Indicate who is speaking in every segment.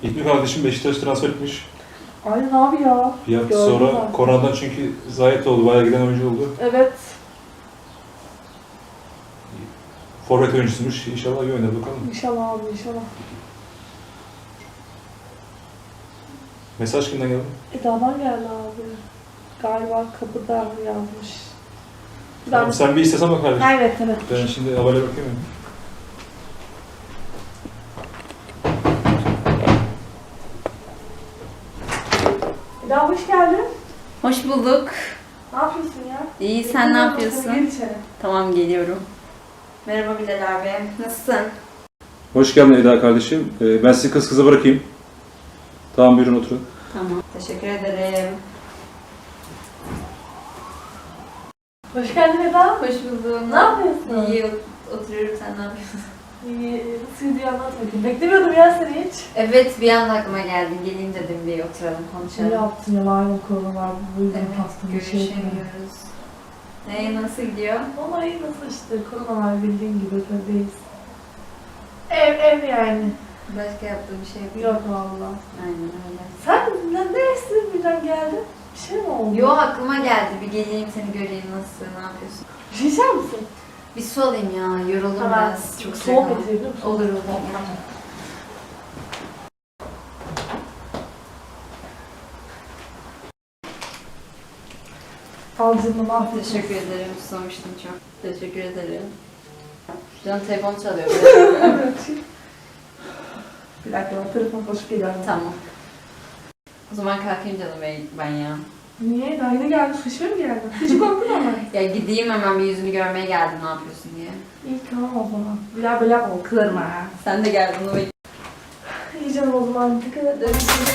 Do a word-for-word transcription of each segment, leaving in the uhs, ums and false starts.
Speaker 1: İlknur kardeşim Beşiktaş transfer etmiş.
Speaker 2: Aynen abi ya.
Speaker 1: Bir hafta
Speaker 2: Gördüm
Speaker 1: sonra
Speaker 2: zaten.
Speaker 1: koronadan çünkü zayiat oldu. Bayağı giden oyuncu oldu.
Speaker 2: Evet.
Speaker 1: Forvet oyuncusuymuş. İnşallah iyi oynar bakalım.
Speaker 2: İnşallah abi inşallah.
Speaker 1: Mesaj kimden geldi?
Speaker 2: Eda'dan geldi abi. Galiba kapıda yazmış.
Speaker 1: Tamam, sen bir istesen bak kardeşim.
Speaker 2: Evet evet.
Speaker 1: Ben şimdi havale bakayım.
Speaker 2: Eda hoş geldin.
Speaker 3: Hoş bulduk.
Speaker 2: Ne yapıyorsun ya?
Speaker 3: İyi, sen ne yapıyorsun?
Speaker 2: Gel içeri.
Speaker 3: Tamam, geliyorum. Merhaba Bilal abi, nasılsın?
Speaker 1: Hoş geldin Eda kardeşim. Ee, ben sizi kız kıza bırakayım. Tamam, buyurun oturun.
Speaker 3: Tamam, teşekkür ederim.
Speaker 2: Hoş geldin Eda.
Speaker 3: Hoş buldum.
Speaker 2: Ne yapıyorsun?
Speaker 3: İyi, ot- oturuyorum, sen ne yapıyorsun?
Speaker 2: İyi, nasıl gidiyor anlat bakayım. Beklemiyordum ya seni hiç.
Speaker 3: Evet, bir anda aklıma geldin. Geleyim dedim, bir oturalım,
Speaker 2: Ne
Speaker 3: konuşalım.
Speaker 2: yaptın ya malum korona var. Bu yüzden
Speaker 3: Evet,
Speaker 2: hasta bir şey yapıyorum.
Speaker 3: görüşemiyoruz. Ne, nasıl gidiyor?
Speaker 2: Ama iyi nasıl işte korona var bildiğin gibi evdeyiz. Ev ev yani.
Speaker 3: Başka yaptığın bir şey yok.
Speaker 2: Yok valla.
Speaker 3: Aynen öyle.
Speaker 2: Sen ne, ne istedin birden geldin? Bir şey mi oldu?
Speaker 3: Yo, aklıma geldi. Bir geleyim, seni göreyim, nasılsın, ne yapıyorsun?
Speaker 2: Bir şey içer misin?
Speaker 3: Bir su alayım ya, yoruldum
Speaker 2: Hemen
Speaker 3: biraz. Çok sıcak
Speaker 2: soğuk
Speaker 3: ama.
Speaker 2: getirebilir misin?
Speaker 3: Olur, olur.
Speaker 2: Al canım afiyet.
Speaker 3: Teşekkür ederim. Susamıştım çok. Teşekkür ederim. Canım telefon çalıyor.
Speaker 2: Evet. Bir dakika ben telefon basıp geliyorum.
Speaker 3: Tamam. O zaman kalkayım canım ben, ben ya.
Speaker 2: Niye? Daha yeni geldin. Kışmaya mı geldin? Hiç korktun ama.
Speaker 3: Ya gideyim hemen, bir yüzünü görmeye geldim, ne yapıyorsun diye.
Speaker 2: İyi tamam o zaman. Bir daha böyle yapma. Kırma ha.
Speaker 3: Sen de gel, bunu bekle.
Speaker 2: İyi canım o zaman. Dikkat et.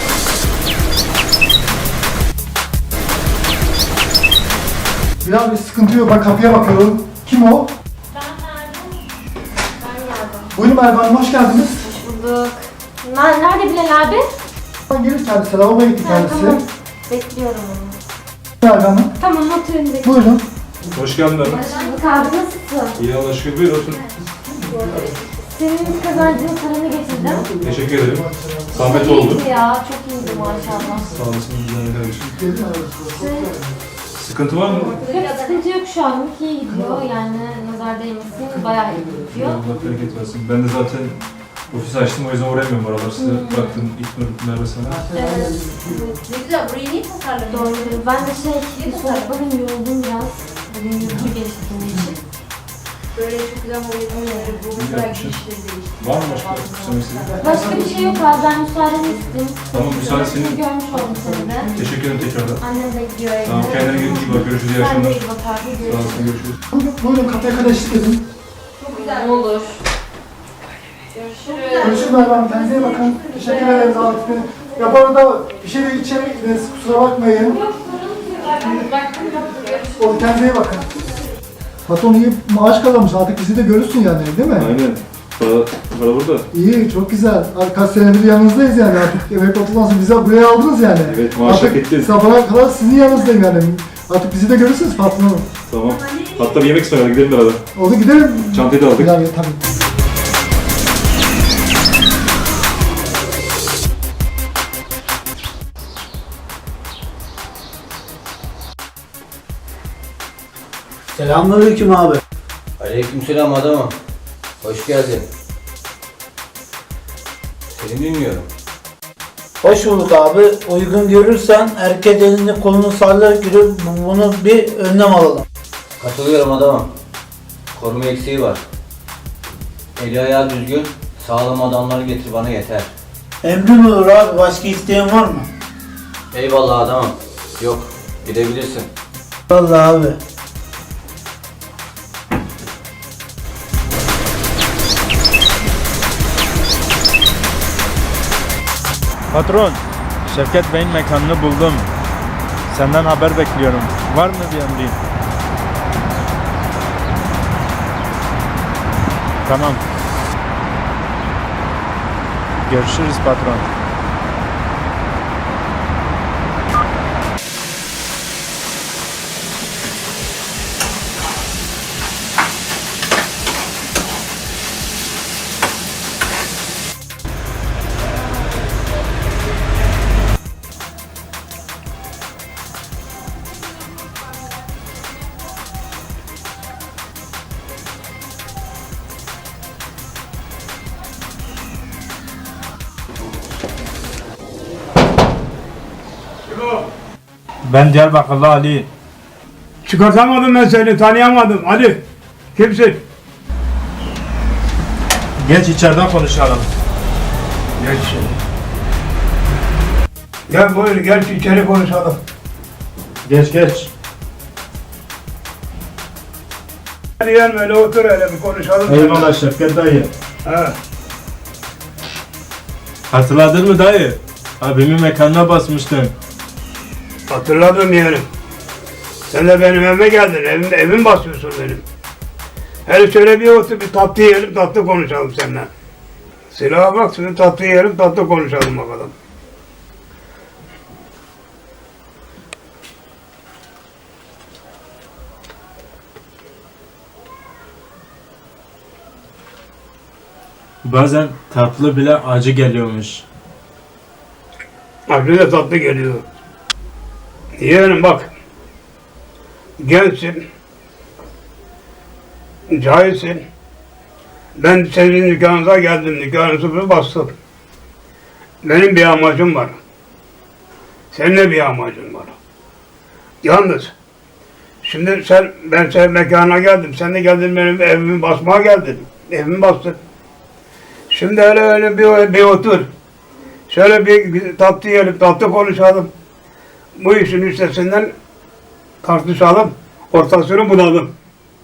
Speaker 4: Bilal bir sıkıntı yok. Ben kapıya bakıyorum. Kim o?
Speaker 5: Ben Merve. Ben geldim.
Speaker 4: Buyurun Merve Hanım, hoş geldiniz.
Speaker 5: Hoş bulduk. Nerede, nerede Bilal abi?
Speaker 4: Ben gelir kendisi. Lavaboya gitti
Speaker 5: Ha,
Speaker 4: kendisi.
Speaker 5: tamam. Bekliyorum onu.
Speaker 4: Merve Hanım.
Speaker 5: Tamam oturun bekliyorum.
Speaker 4: Buyurun.
Speaker 1: Hoş geldin Erman.
Speaker 5: Hoş abi nasılsın?
Speaker 1: İyi Allah'a şükür. Buyur otur.
Speaker 5: Senin kazancının paranı getirdim.
Speaker 1: Teşekkür ederim. Zahmet
Speaker 5: Çok
Speaker 1: oldu.
Speaker 5: iyiydi ya, çok iyiydi maşallah.
Speaker 1: Sağ olasın. Güzel kardeşim. Sıkıntı var mı?
Speaker 5: Yok sıkıntı yok şu an, iyi gidiyor yani nazar değmesin, bayağı iyi gidiyor.
Speaker 1: Allah bereket versin. Ben de zaten ofis açtım, o yüzden uğrayamıyorum oralar. Size bıraktım ilk Merve sana.
Speaker 5: Evet,
Speaker 3: Ne güzel, burayı niye tasarladın?
Speaker 5: doğru. Ben de şey, soğuk bugün yoruldum biraz. Bugün yorucu geçti benim için.
Speaker 3: Böyle çok güzel boyutları, bu belki işleri değişti.
Speaker 1: Var mı başka söylemek istediğin?
Speaker 5: Başka bir şey yok abi, ben müsaadeni isteyeyim.
Speaker 1: Tamam, müsaade senin.
Speaker 5: Görmüş oldum seni de.
Speaker 1: Teşekkür ederim tekrardan.
Speaker 5: Annem bekliyor evde.
Speaker 1: Tamam, kendine iyi bak. Görüşürüz. İyi
Speaker 5: Sen de
Speaker 1: akşamlar.
Speaker 5: iyi bak abi,
Speaker 1: Sağ
Speaker 5: görüşürüz.
Speaker 1: olasın. Görüşürüz.
Speaker 4: Buyurun, buyurun kapıya kadar eşlik edin.
Speaker 3: Çok güzel. Ne olur. Görüşürüz.
Speaker 4: Görüşürüz Merve Hanım. Kendinize iyi bakın. Teşekkür ederim davetine. Ya bu arada bir şey de içeri gittiniz. Kusura bakmayın. O kendinize iyi bakın. Patron iyi maaş kazanmış. Artık bizi de görürsün yani, değil mi?
Speaker 1: Aynen. Para, para burada.
Speaker 4: İyi, çok güzel. Kaç senedir yanınızdayız yani artık. Emek otuzdan bizi buraya aldınız yani.
Speaker 1: Evet, maaş hak
Speaker 4: Artık
Speaker 1: ettiniz.
Speaker 4: sabahına kadar sizin yanınızdayım yani. Artık bizi de görürsünüz patronum.
Speaker 1: Tamam. Hatta bir yemek ısmarladık. Gidelim beraber.
Speaker 4: Oldu gidelim.
Speaker 1: Çantayı da aldık.
Speaker 4: Yani, tabii.
Speaker 6: Selamünaleyküm abi.
Speaker 7: Aleykümselam adamım. Hoş geldin. Seni dinliyorum.
Speaker 6: Hoş bulduk abi. Uygun görürsen herkes elini kolunu sallayarak yürü. Bunu bir önlem alalım.
Speaker 7: Katılıyorum adamım. Koruma eksiği var. Eli ayağı düzgün, sağlam adamları getir bana yeter.
Speaker 6: Emrin olur abi. Başka isteyen var mı?
Speaker 7: Eyvallah adamım. Yok, gidebilirsin.
Speaker 6: Vallahi abi.
Speaker 8: Patron, Şevket Bey'in mekanını buldum. Senden haber bekliyorum. Var mı bir emrin? Tamam. Görüşürüz patron. Ben Diyarbakırlı Ali.
Speaker 9: Çıkartamadım ben seni, tanıyamadım. Ali, kimsin?
Speaker 8: Geç içeriden konuşalım.
Speaker 9: Geç. Gel buyur, gel içeri konuşalım.
Speaker 8: Geç geç.
Speaker 9: Hadi gel böyle otur hele bir konuşalım.
Speaker 8: Eyvallah Şevket dayı.
Speaker 9: He.
Speaker 8: Hatırladın mı dayı? Abimin mekanına basmıştın.
Speaker 9: Hatırladım yeğenim. Sen de benim evime geldin, evim, evim basıyorsun benim. Hele şöyle bir otur, bir tatlı yiyelim, tatlı konuşalım seninle. Silaha bak, şimdi tatlı yiyelim, tatlı konuşalım bakalım.
Speaker 8: Bazen tatlı bile acı geliyormuş.
Speaker 9: Acı da tatlı geliyor. Yeğenim bak, gençsin, cahilsin. Ben senin dükkanınıza geldim, dükkanınızı bir bastım. Benim bir amacım var. Senin de bir amacın var. Yalnız, şimdi sen, ben senin mekanına geldim, sen de geldin benim evimi basmaya geldin. Evimi bastın. Şimdi öyle öyle bir, bir otur. Şöyle bir tatlı yiyelim, tatlı konuşalım. Bu işin üstesinden tartışalım, ortasını bulalım.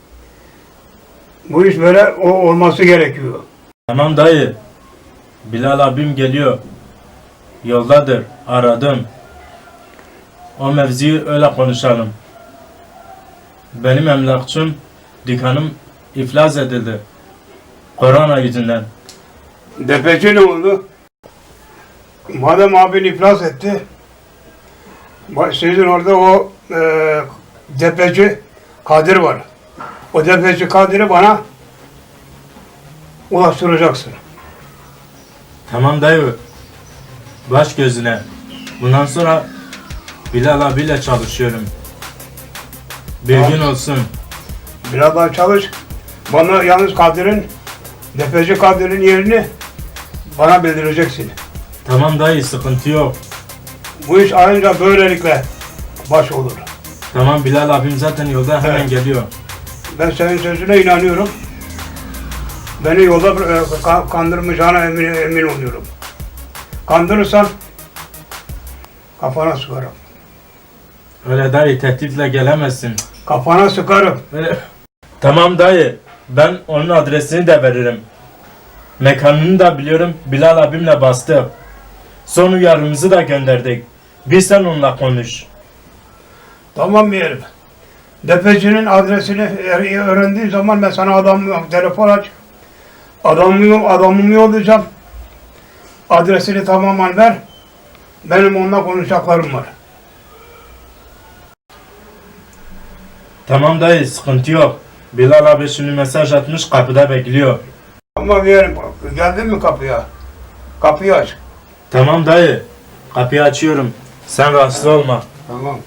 Speaker 9: Bu iş böyle o, olması gerekiyor.
Speaker 8: Tamam dayı. Bilal abim geliyor. Yoldadır. Aradım. O mevziyi öyle konuşalım. Benim emlakçım, dükkanım iflas edildi. Korona yüzünden.
Speaker 9: Depeci ne oldu? Madem abin iflas etti, sizin orada o e, depeci Kadir var. O depeci Kadir'i bana ulaştıracaksın.
Speaker 8: Tamam dayı. Baş gözüne. Bundan sonra Bilal abiyle çalışıyorum. Bilgin olsun.
Speaker 9: Biraz daha çalış. Bana yalnız Kadir'in, depeci Kadir'in yerini bana bildireceksin.
Speaker 8: Tamam dayı, sıkıntı yok.
Speaker 9: Bu iş ancak böylelikle baş olur.
Speaker 8: Tamam, Bilal abim zaten yolda, hemen
Speaker 9: Evet.
Speaker 8: geliyor.
Speaker 9: Ben senin sözüne inanıyorum. Beni yolda e, ka- kandırmayacağına emin, emin oluyorum. Kandırırsan kafana sıkarım.
Speaker 8: Öyle dayı, tehditle gelemezsin.
Speaker 9: Kafana sıkarım.
Speaker 8: Öyle. Tamam dayı, ben onun adresini de veririm. Mekanını da biliyorum, Bilal abimle bastık. Son uyarımızı da gönderdik. Bir sen onunla konuş.
Speaker 9: Tamam bir herif. Depecinin adresini e- öğrendiği zaman ben sana adam telefon aç. Adamımı, adamımı yollayacağım. Adresini tamamen ver. Benim onunla konuşacaklarım var.
Speaker 8: Tamam dayı, sıkıntı yok. Bilal abi şimdi mesaj atmış, kapıda bekliyor.
Speaker 9: Ama bir herif, geldin mi kapıya? Kapıyı aç.
Speaker 8: Tamam dayı, kapıyı açıyorum. Sen rahatsız olma.
Speaker 9: Tamam.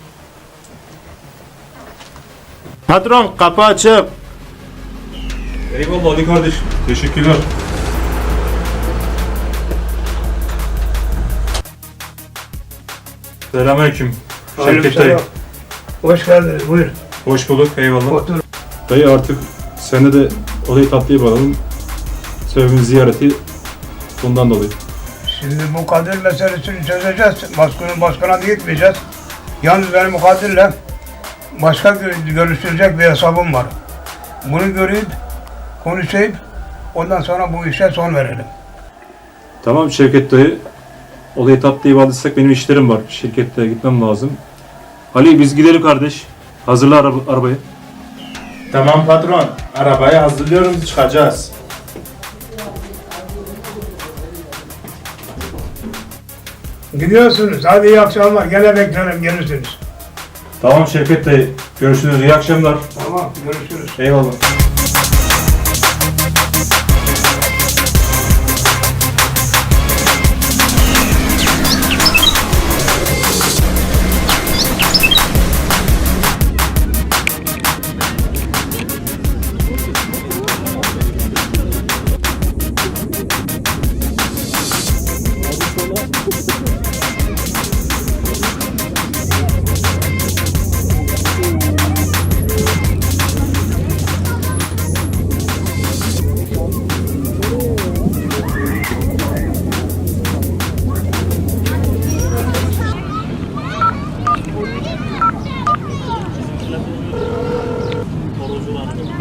Speaker 8: Patron, kapı açık.
Speaker 1: Eyvallah Ali kardeş. Teşekkürler. Selamünaleyküm. Şevket dayı.
Speaker 9: Hoş geldiniz, buyur.
Speaker 1: Hoş bulduk. Eyvallah.
Speaker 9: Otur.
Speaker 1: Dayı artık sende de olayı tatlıya bağlayalım. Sebebimiz ziyareti bundan dolayı.
Speaker 9: Şimdi bu Kadir meselesini çözeceğiz. Başkanın başkana gitmeyeceğiz. Yalnız benim bu Kadir'le başka gö- görüştürecek bir hesabım var. Bunu görüp, konuşayım, ondan sonra bu işe son verelim.
Speaker 1: Tamam Şevket dayı. Olayı tatlıya bağladıysak benim işlerim var. Şirkette gitmem lazım. Ali biz gidelim kardeş. Hazırla araba, arabayı.
Speaker 8: Tamam patron, arabayı hazırlıyorum, çıkacağız.
Speaker 9: Gidiyorsunuz. Hadi iyi akşamlar. Gene beklerim. Gelirsiniz.
Speaker 1: Tamam Şevket dayı. Görüşürüz. İyi akşamlar.
Speaker 9: Tamam. Görüşürüz.
Speaker 1: Eyvallah.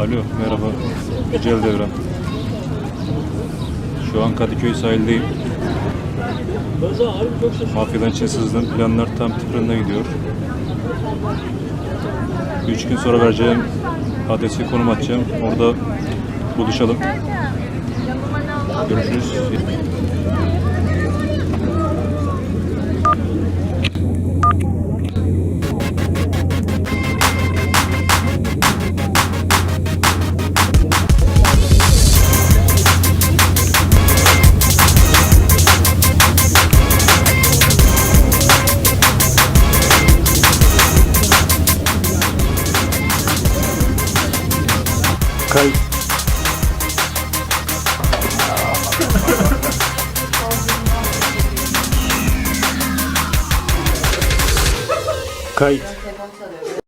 Speaker 1: Alo, merhaba. Yücel Devrem. Şu an Kadıköy sahildeyim. Mafyadan içine sızdım. Planlar tam tıkırında gidiyor. Üç gün sonra vereceğim adresi konum atacağım. Orada buluşalım. Görüşürüz. Kayıt. Kayıt.